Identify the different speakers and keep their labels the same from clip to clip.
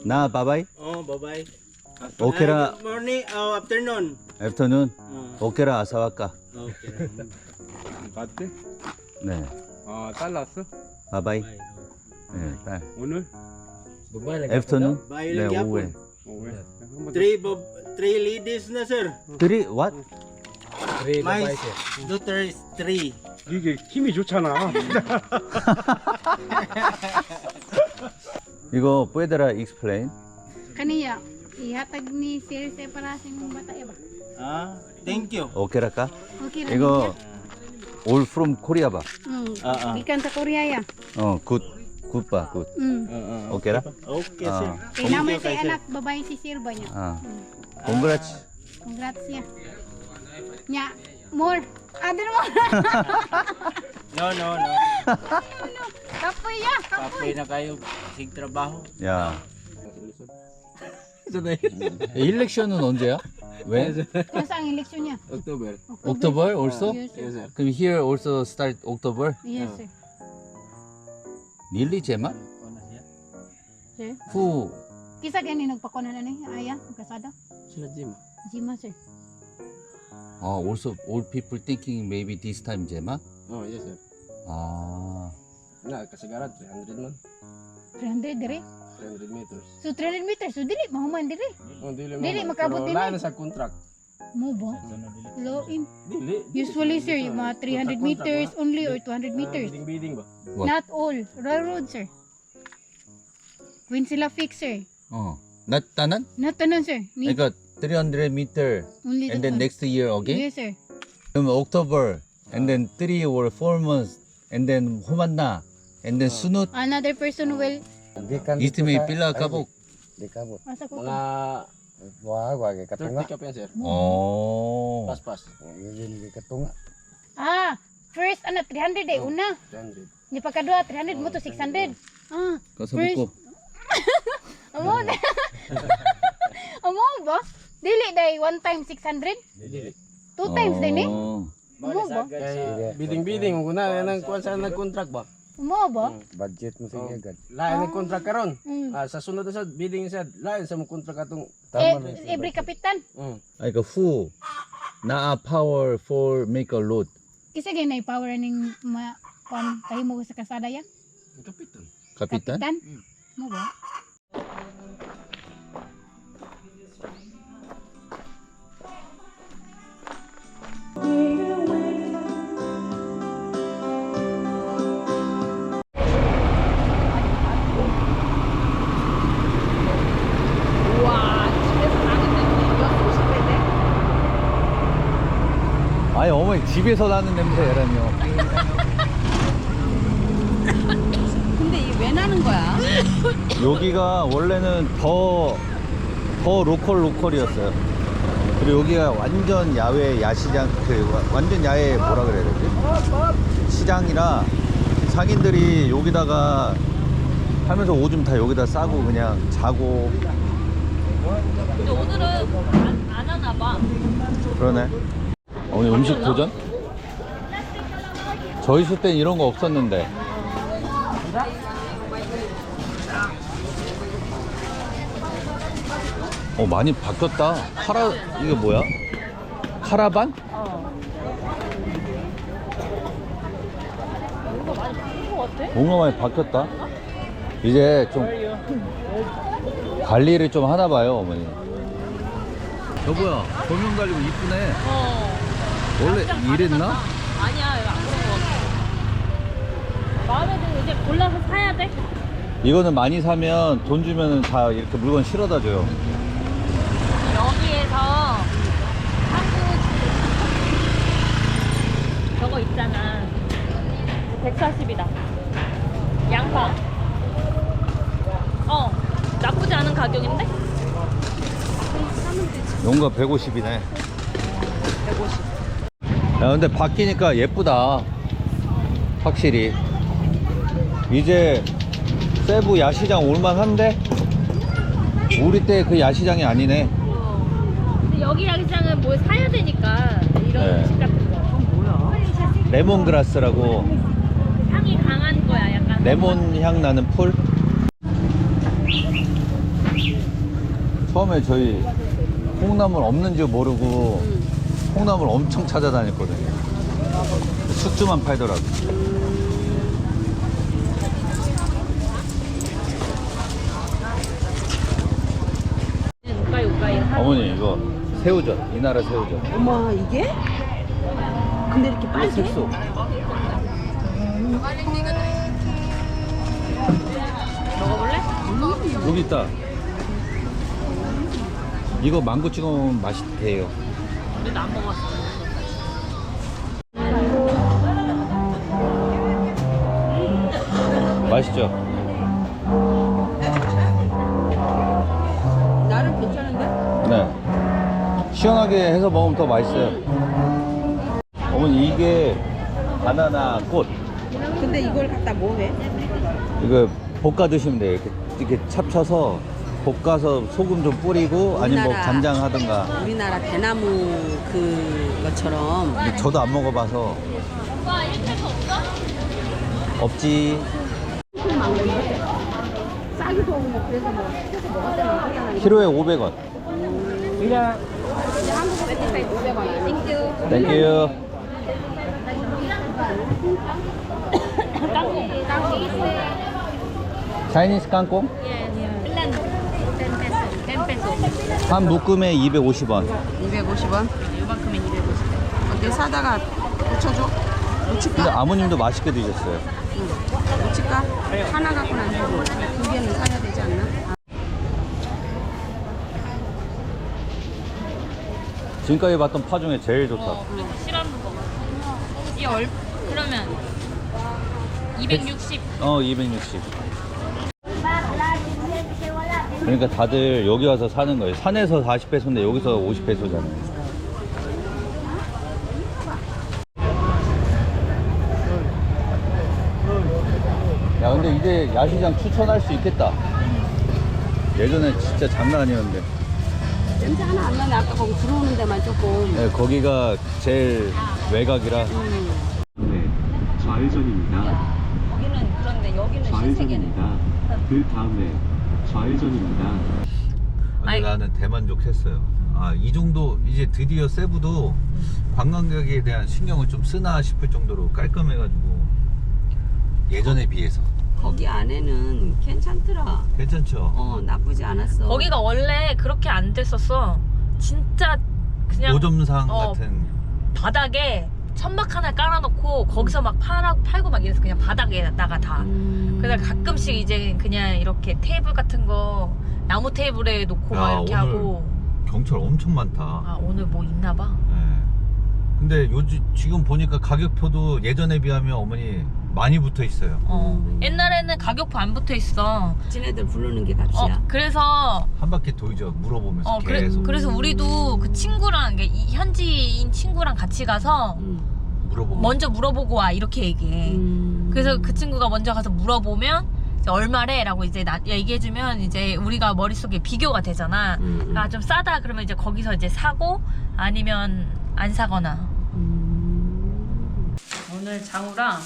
Speaker 1: 나 바바이?
Speaker 2: Oh, bye-bye.
Speaker 1: 오케라
Speaker 2: Good morning, afternoon.
Speaker 1: 애프터눈 오케라 아사와까.
Speaker 2: Okay.
Speaker 3: 갔대?
Speaker 1: 네.
Speaker 3: 아, 딸 났어?
Speaker 1: 바바이.
Speaker 2: Bye.
Speaker 1: 네, 딸.
Speaker 3: 오늘?
Speaker 1: 애프터눈?
Speaker 2: Bye
Speaker 1: 네,
Speaker 2: lang
Speaker 1: 오후에.
Speaker 3: 왜? 한번
Speaker 2: Three ladies na, sir.
Speaker 1: Three what?
Speaker 2: My daughter is 3.
Speaker 3: 이게 힘이 좋잖아.
Speaker 1: 이거 puedera explain?
Speaker 4: Kaniya, ihatag ni Sir para sa imong bata ba?
Speaker 2: Ah, thank you.
Speaker 1: 오케라까?
Speaker 4: Okay ra
Speaker 1: 이거 all from Korea 봐.
Speaker 4: Gikan sa Korea ya.
Speaker 1: 굿. 굿봐, 굿. 오케라?
Speaker 2: Okay,
Speaker 1: Ah.
Speaker 2: sir.
Speaker 4: Kay naman sa anak babae si Sir ba niya?
Speaker 1: 아. congrats.
Speaker 4: Congrats niya. Nya, more. Other more.
Speaker 2: No.
Speaker 4: Kapoy ya,
Speaker 2: Kapoy
Speaker 4: kapoy.
Speaker 2: na kayo. Sig trabaho.
Speaker 1: 야. 일렉션은 언제야? 왜?
Speaker 4: Kung saan ang eleksyon niya?
Speaker 3: October.
Speaker 1: October also?
Speaker 4: Yes, sir.
Speaker 3: Yes, sir.
Speaker 1: 그럼 here also start October?
Speaker 4: Yes, sir.
Speaker 1: Really, Gemma?
Speaker 4: Sir?
Speaker 1: Who?
Speaker 4: Kisa gani nagpakunan na ni Aya, kasada?
Speaker 3: Sila Jim.
Speaker 4: Jima, sir.
Speaker 1: Also all people thinking maybe this time Gemma?
Speaker 3: Oh, yes, sir.
Speaker 1: 아.
Speaker 3: Na, kasagaran, 300 man.
Speaker 4: 300 dire.
Speaker 3: 300 meters.
Speaker 4: So 300 meters, so dili mahuman dire.
Speaker 3: Oh, dili
Speaker 4: Dili,
Speaker 3: man.
Speaker 4: makabot
Speaker 3: Pero
Speaker 4: din
Speaker 3: wala
Speaker 4: eh.
Speaker 3: na sa contract.
Speaker 4: Mo ba? Low in.
Speaker 3: Dili.
Speaker 4: Usually, sir, yung mga 300 meters only or 200 meters.
Speaker 3: Bidding ba?
Speaker 1: What?
Speaker 4: Not all. Railroad, sir. When sila fix, sir.
Speaker 1: 나타난?
Speaker 4: Not tanan, sir. Ni
Speaker 1: 그러니까 300 meter
Speaker 4: only
Speaker 1: and
Speaker 4: that
Speaker 1: then
Speaker 4: one.
Speaker 1: next year again?
Speaker 4: Yes, sir.
Speaker 1: 그럼 October and then 3 or 4 months and then 호만나 and then sunut
Speaker 4: Another person will
Speaker 1: 이스timate 빌라 가복.
Speaker 5: Di kabot.
Speaker 4: asa ko
Speaker 3: Mga
Speaker 5: Wag katunga.
Speaker 3: 30 ka pa yan, sir.
Speaker 1: 어.
Speaker 3: Pas.
Speaker 5: Yun katunga.
Speaker 4: First, 300 eh, una.
Speaker 3: 300.
Speaker 4: Ni pagkadua, 300 mo to 600.
Speaker 1: 가서
Speaker 4: First-
Speaker 1: 먹고.
Speaker 4: Amo. Amo ba? Dili day one time 600?
Speaker 3: Dili.
Speaker 4: Two times din eh?
Speaker 1: 어.
Speaker 4: Amo ba?
Speaker 3: Kay bidding. Kung na nang kuwan sa nag-contract ba?
Speaker 4: Amo ba?
Speaker 5: Budget mo
Speaker 3: Oh.
Speaker 5: sige agad.
Speaker 3: Lain nag-contract karon.
Speaker 4: Mm.
Speaker 3: Sa sunod na sa bidding sa lain sa mong contract atong
Speaker 4: Every kapitan.
Speaker 1: 아니 그 who 나 power for make a road.
Speaker 4: Kisa ganay power ning kahimo sa kasada ya?
Speaker 3: kapitan.
Speaker 1: 카피탄?
Speaker 4: Kapitan? Mo ba?
Speaker 1: 아니 어머니 집에서 나는 냄새라뇨.
Speaker 6: 근데 이게 왜 나는 거야?
Speaker 1: 여기가 원래는 더 로컬이었어요. 그리고 여기가 완전 야외 야시장 완전 야외 뭐라 그래야 되지? 시장이라 상인들이 여기다가 하면서 오줌 다 여기다 싸고 그냥 자고.
Speaker 6: 근데 오늘은 안 하나 봐.
Speaker 1: 그러네. 오늘 음식 도전? 저희 있을 땐 이런 거 없었는데. 많이 바뀌었다. 이게 뭐야? 카라반? 뭔가 많이 바뀌었다. 이제 좀 관리를 좀 하나 봐요, 어머니. 여보야, 조명 달리고 이쁘네. 원래 이랬나?
Speaker 6: 아니야, 이거 안 그런 거 같아. 마음에 들면 이제 골라서 사야 돼?
Speaker 1: 이거는 많이 사면 돈 주면 다 이렇게 물건 실어다 줘요.
Speaker 6: 여기에서 한국 저거 있잖아. 140이다. 양파. 나쁘지 않은 가격인데?
Speaker 1: 용가 150이네.
Speaker 6: 150.
Speaker 1: 야, 근데 바뀌니까 예쁘다. 확실히. 이제 세부 야시장 올만한데? 우리 때 그 야시장이 아니네.
Speaker 6: 근데 여기 야시장은 뭘 사야 되니까 이런
Speaker 1: 네.
Speaker 6: 음식 같은 거.
Speaker 1: 레몬그라스라고
Speaker 6: 향이 강한 거야, 약간.
Speaker 1: 레몬 향 나는 풀. 처음에 저희 콩나물 없는지 모르고 콩나물 엄청 찾아다녔거든요. 숙주만 팔더라고. 어머니 이거 새우젓, 이 나라 새우젓.
Speaker 7: 어머 이게? 근데 이렇게 빨개?
Speaker 1: 색소.
Speaker 6: 먹어볼래?
Speaker 1: 여기 있다. 이거 망고 찍어 먹으면 맛있대요.
Speaker 6: 우리도 안 먹었어.
Speaker 1: 맛있죠?
Speaker 7: 나름 괜찮은데?
Speaker 1: 네. 시원하게 해서 먹으면 더 맛있어요. 어머니 이게 바나나 꽃.
Speaker 7: 근데 이걸 갖다 뭐 해?
Speaker 1: 이거 볶아 드시면 돼요. 이렇게 찹쳐서 볶아서 소금 좀 뿌리고 아니면 뭐
Speaker 7: 우리나라-
Speaker 1: 간장 하든가.
Speaker 7: 우리나라 대나무 그것처럼
Speaker 1: 근데 저도 안 먹어봐서.
Speaker 6: 오빠 1kg 없어?
Speaker 1: 없지.
Speaker 7: 싸기도 하고 뭐 그래서 뭐 시켜서 먹었다는 거잖아.
Speaker 1: 키로에 500원.
Speaker 7: 한국 배트사이 500원. 땡큐.
Speaker 1: 땡큐. 차이니스 깡콩? 한 묶음에 250원.
Speaker 7: 250원.
Speaker 6: 요만큼에 250원.
Speaker 7: 어때 사다가 묻혀줘?
Speaker 1: 근데
Speaker 7: 묻힐까?
Speaker 1: 아버님도 맛있게 드셨어요.
Speaker 7: 묻힐까? 하나 갖고는 안 되고 두 개는 사야 되지 않나?
Speaker 1: 지금까지 봤던 파 중에 제일 좋다.
Speaker 6: 우리도 싫어하는 거 같아. 그러면 260.
Speaker 1: 260. 그러니까 다들 여기 와서 사는 거예요. 산에서 40페소인데 여기서 50페소잖아요. 야, 근데 이제 야시장 추천할 수 있겠다. 예전에 진짜 장난 아니었는데.
Speaker 7: 냄새 하나 안 나네. 아까 거기 들어오는 데만 조금.
Speaker 1: 네, 거기가 제일 외곽이라.
Speaker 8: 네, 좌회전입니다.
Speaker 7: 거기는 그런데 여기는
Speaker 8: 좌회전입니다. 그 다음에 좌회전입니다.
Speaker 1: 아니, 나는 대만족했어요. 아, 이 정도 이제 드디어 세부도 관광객에 대한 신경을 좀 쓰나 싶을 정도로 깔끔해가지고 예전에 비해서
Speaker 7: 거기 안에는 괜찮더라.
Speaker 1: 괜찮죠?
Speaker 7: 나쁘지 않았어.
Speaker 6: 거기가 원래 그렇게 안 됐었어. 진짜 그냥
Speaker 1: 노점상
Speaker 6: 어,
Speaker 1: 같은.
Speaker 6: 바닥에 천막 하나 깔아놓고 거기서 막 팔고 막 이래서 그냥 바닥에다가 다. 그래서 가끔씩 이제 그냥 이렇게 테이블 같은 거 나무 테이블에 놓고
Speaker 1: 야,
Speaker 6: 막 이렇게
Speaker 1: 오늘
Speaker 6: 하고.
Speaker 1: 경찰 엄청 많다.
Speaker 6: 아 오늘 뭐 있나 봐.
Speaker 1: 네. 근데 지금 보니까 가격표도 예전에 비하면 어머니 많이 붙어 있어요.
Speaker 6: 옛날에는 가격표 안 붙어 있어.
Speaker 7: 지네들 부르는 게 값이야.
Speaker 6: 그래서
Speaker 1: 한 바퀴 돌죠. 물어보면서 계속.
Speaker 6: 그래서 우리도 그 친구랑 이 현지인 친구랑 같이 가서
Speaker 1: 물어보고.
Speaker 6: 먼저 물어보고 와 이렇게 얘기해. 그래서 그 친구가 먼저 가서 물어보면 이제 얼마래? 라고 이제 얘기해주면 이제 우리가 머릿속에 비교가 되잖아. 아, 좀 싸다 그러면 이제 거기서 이제 사고 아니면 안 사거나. 오늘 장우랑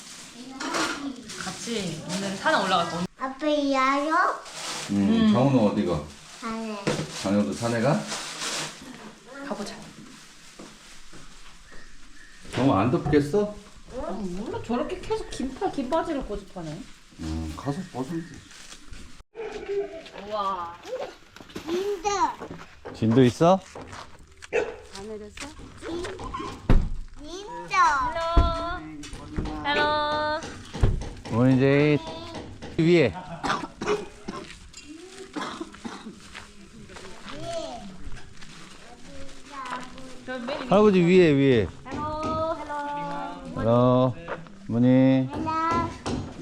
Speaker 6: 같이 오늘 산에 올라갈 거야.
Speaker 9: 아빠 야요?
Speaker 1: 장우는 어디가?
Speaker 9: 안해.
Speaker 1: 장우도 산에 가?
Speaker 6: 가보자.
Speaker 1: 장우 안 덥겠어?
Speaker 6: 몰라 저렇게 계속 긴 바지를 고집하네.
Speaker 1: 가서 벗으면 돼.
Speaker 6: 우와.
Speaker 9: 인도.
Speaker 1: 진도 있어?
Speaker 7: 안 내렸어?
Speaker 9: 인도.
Speaker 6: 헬로.
Speaker 1: 오늘 이제 위에. 할아버지 위에. 헬로. 어머니.
Speaker 9: 하나.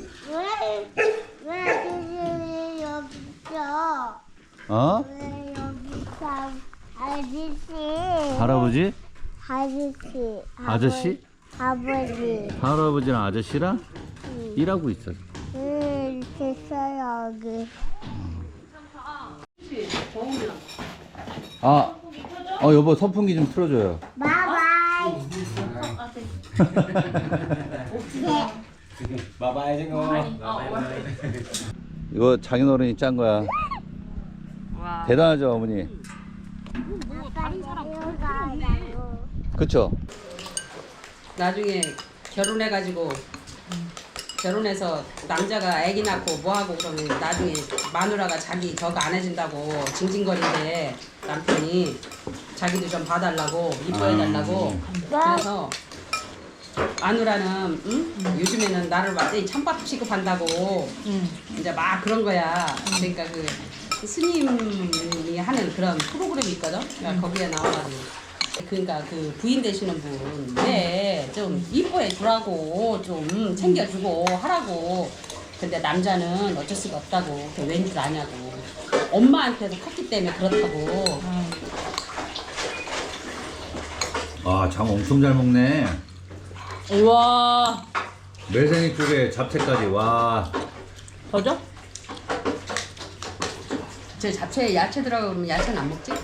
Speaker 9: 왜 아저씨 여기 있어?
Speaker 1: 어?
Speaker 9: 왜 여기 있어? 아저씨.
Speaker 1: 할아버지?
Speaker 9: 아저씨.
Speaker 1: 아저씨?
Speaker 9: 아버지.
Speaker 1: 할아버지랑 아저씨랑 일하고 있어.
Speaker 9: 됐어요 여기.
Speaker 1: 여보 선풍기 좀 틀어줘요.
Speaker 9: 바이바이.
Speaker 1: 이거 장인어른이 짠 거야.
Speaker 6: 와.
Speaker 1: 대단하죠 어머니.
Speaker 7: 뭐 다른 사람
Speaker 9: 가자고.
Speaker 1: 그쵸?
Speaker 7: 나중에 결혼해가지고 결혼해서 남자가 아기 낳고 뭐하고 그러면 나중에 마누라가 자기 저거 안 해준다고 징징거리는데 남편이 자기도 좀 봐달라고 이뻐해달라고 그래서 마누라는 요즘에는 나를 완전히 찬밥 취급한다고 이제 막 그런 거야. 그러니까 그 스님이 하는 그런 프로그램이 있거든. 그러니까 거기에 나와가지고. 그러니까 그 부인 되시는 분, 좀 이뻐해 주라고, 좀 챙겨주고 하라고. 근데 남자는 어쩔 수가 없다고. 그게 왠 줄 아냐고. 엄마한테서 컸기 때문에 그렇다고.
Speaker 1: 아, 장 엄청 잘 먹네.
Speaker 6: 우와.
Speaker 1: 매생이 쪽에 잡채까지. 와.
Speaker 6: 더죠?
Speaker 7: 저 잡채에 야채 들어가고 그러면 야채는 안 먹지?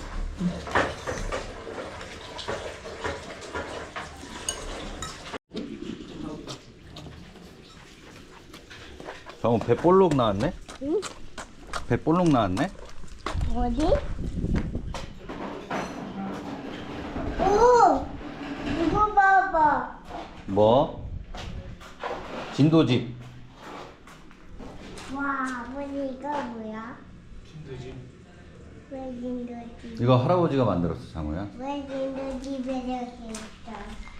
Speaker 1: 장어 배 볼록 나왔네?
Speaker 9: 응?
Speaker 1: 배 볼록 나왔네?
Speaker 9: 어디? 오! 이거 봐봐.
Speaker 1: 뭐? 진도집.
Speaker 9: 와, 아버지 이거 뭐야? 왜 진도집?
Speaker 1: 이거 할아버지가 만들었어, 장어야.
Speaker 9: 왜 진도집에 이렇게 있어?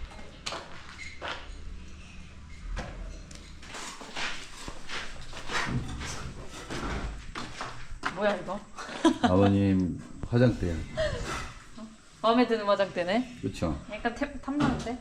Speaker 6: 뭐야 이거?
Speaker 1: 아버님 화장대야.
Speaker 6: 마음에 드는 화장대네.
Speaker 1: 그쵸?
Speaker 6: 약간 탐나는데?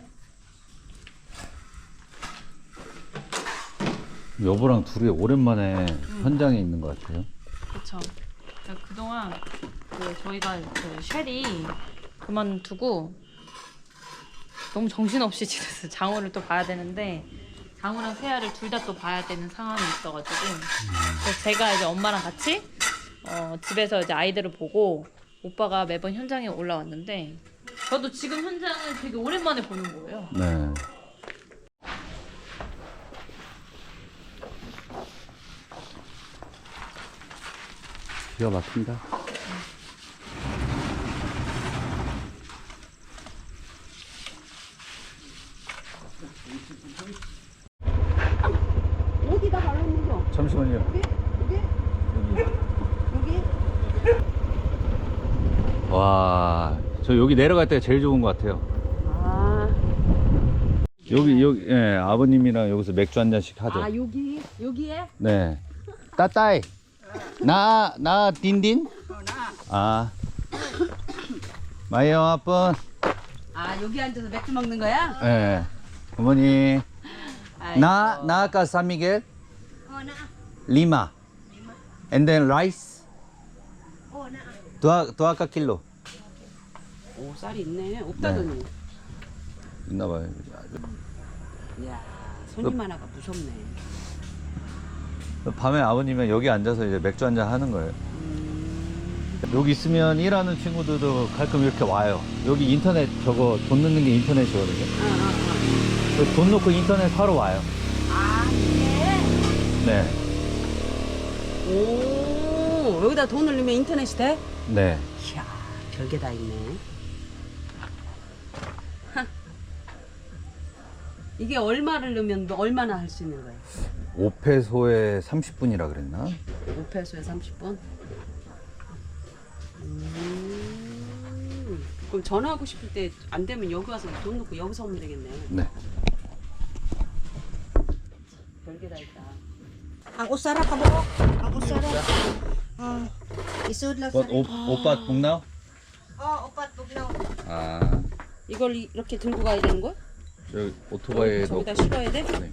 Speaker 1: 여보랑 둘이 오랜만에 현장에 있는 것 같아요.
Speaker 6: 그쵸. 그동안 저희가 쉘이 그만두고 너무 정신없이 지냈어요. 장호를 또 봐야 되는데 장호랑 세아를 둘 다 또 봐야 되는 상황이 있어가지고 그래서 제가 이제 엄마랑 같이 집에서 이제 아이들을 보고 오빠가 매번 현장에 올라왔는데 저도 지금 현장을 되게 오랜만에 보는 거예요.
Speaker 1: 네. 기가 막힌다.
Speaker 7: 어디다 바르는 거?
Speaker 1: 잠시만요.
Speaker 7: 여기?
Speaker 1: 와, 저 여기 내려갈 때가 제일 좋은 것 같아요.
Speaker 7: 아,
Speaker 1: 여기 예, 아버님이랑 여기서 맥주 한 잔씩 하죠.
Speaker 7: 여기에?
Speaker 1: 네. 따따이. 나 딘딘? 아. 마이어 아픈.
Speaker 7: 아, 여기 앉아서 맥주 먹는 거야?
Speaker 1: 예. 어머니.
Speaker 7: 아이고.
Speaker 1: 나 아까 산미겔. 리마. And then rice. 도아까 킬로.
Speaker 7: 오, 쌀이 있네. 없다더니.
Speaker 1: 있나 봐요.
Speaker 7: 이야, 손님 하나가 무섭네.
Speaker 1: 밤에 아버님은 여기 앉아서 이제 맥주 한잔 하는 거예요. 여기 있으면 일하는 친구들도 가끔 이렇게 와요. 여기 인터넷 저거 돈 넣는 게 인터넷이거든요. 그래서 돈 넣고 인터넷 하러 와요.
Speaker 7: 아,
Speaker 1: 네.
Speaker 7: 오, 여기다 돈을 넣으면 인터넷이 돼?
Speaker 1: 네.
Speaker 7: 이야, 별게 다 있네. 이게 얼마를 넣으면 얼마나 할 수 있는 거야?
Speaker 1: 5페소에 30분이라 그랬나?
Speaker 7: 5페소에 30분? 그럼 전화하고 싶을 때 안 되면 여기 와서 돈 넣고 여기서 오면 되겠네.
Speaker 1: 네.
Speaker 7: 별게 다 있다.
Speaker 10: Ang usara ka mo? Ang usara. Isud lang sa
Speaker 1: 오빠 복나오?
Speaker 10: upat bugnaw.
Speaker 1: 아,
Speaker 7: 이걸 이렇게 들고 가야 되는 거야?
Speaker 1: 저 오토바이에 넣고.
Speaker 7: 저기다 실어야 돼?
Speaker 1: 네.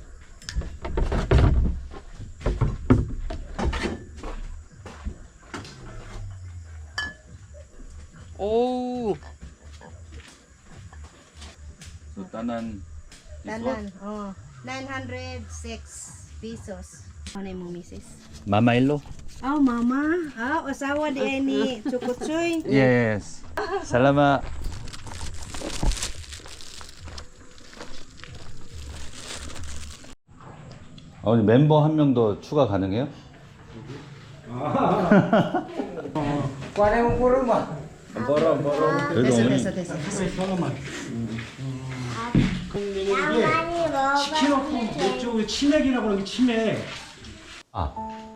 Speaker 7: 오우.
Speaker 1: 따난
Speaker 10: Tanan. 906 pesos. Ano mo, misis?
Speaker 1: 마마일로?
Speaker 10: Oh, mama. Asawa di ni Chukutsoy.
Speaker 1: 예스. 살라마. 아버님 멤버 한 명 더 추가 가능해요? 그래도 어머니
Speaker 9: 나 많이 먹어봤는데
Speaker 3: 이쪽에 치맥이라고 그러는 게 치맥.
Speaker 1: 아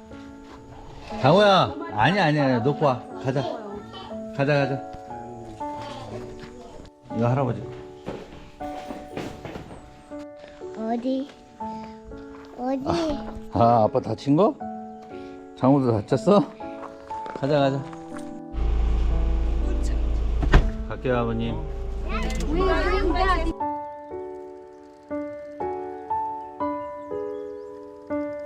Speaker 1: 장호야 아니야 놓고 와 가자 이거 할아버지
Speaker 9: 어디
Speaker 1: 아 아빠 다친 거? 장호도 다쳤어? 가자 갈게요 아버님
Speaker 9: 우리